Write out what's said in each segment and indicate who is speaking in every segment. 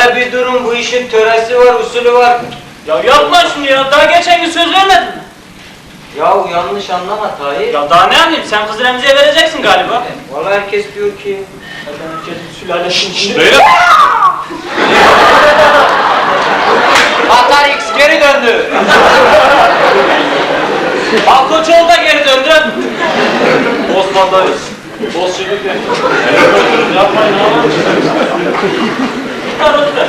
Speaker 1: Öyle bir durum, bu işin töresi var, usulü var.
Speaker 2: Ya yapma şunu ya. Daha geçen gün söz vermedin mi?
Speaker 1: Yahu yanlış anlama Tahir.
Speaker 2: Ya daha ne anlayayım? Sen kızı Remzi'ye vereceksin galiba.
Speaker 1: Vallahi herkes diyor ki.
Speaker 2: Zaten herkesin sülalesinin içinde.
Speaker 3: Beyler!
Speaker 1: Atar X geri döndü.
Speaker 2: Balkoçoğlu da geri döndü.
Speaker 3: Osman'dayız. Bozçuluk ne? Yapmayın ama.
Speaker 2: Karotlar.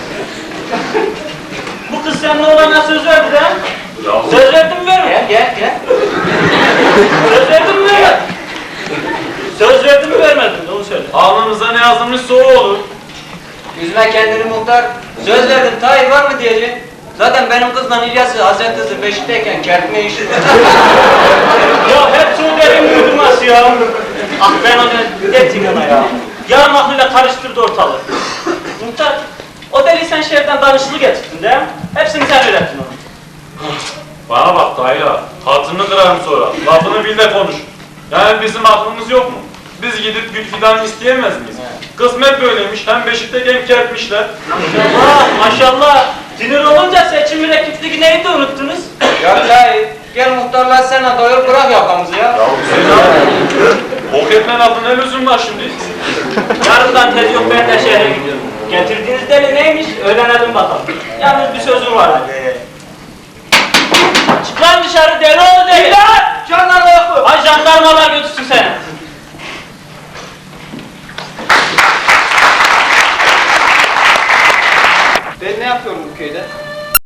Speaker 2: Bu kız seninle olana söz verdi de.
Speaker 3: Yahu.
Speaker 2: Söz verdin mi vermedin?
Speaker 1: Gel.
Speaker 2: Söz verdin mi vermedin? Söz verdin mi vermedin? Onu söyle.
Speaker 3: Alnımıza ne yazılmışsa o olur.
Speaker 1: Üzme kendini muhtar. Söz verdim Tahir var mı diyecek. Zaten benim kızla İlyas'ı Hazreti Hızır Beşik'teyken kertme işi.
Speaker 2: Ya hep söylerim uydurması ya. Ah ben onu dedim ona ya. Yarım aklıyla karıştırdı ortalığı. Muhtar, o deli sen şehirden danışıklı getirdin değil mi? Hepsini sen öğrettin ona.
Speaker 3: Bana bak Tahir'a. Hatırını kırarım sonra. Lafını bil de konuş. Yani bizim aklımız yok mu? Biz gidip gül fidan isteyemez miyiz? Kısmet böyleymiş. Hem Beşik'te hem kertmişler.
Speaker 2: Maşallah, maşallah. Sinir olunca seçim mürekkepteki neyi de unuttunuz?
Speaker 1: Ya Tahir, gel muhtarlar sana doyur bırak yakamızı ya.
Speaker 3: Ya Hüseyin abi. Bok etme lafı ne lüzum var şimdi?
Speaker 2: Yarından tez yok ben de şehre gidiyorum. Getirdiğiniz deli neymiş? Öğrenelim bakalım. Yalnız bir sözüm vardı. Çık lan dışarı deli oğlu deli.
Speaker 1: Jandarma yok mu?
Speaker 2: Ay jandarmalar götürsün seni.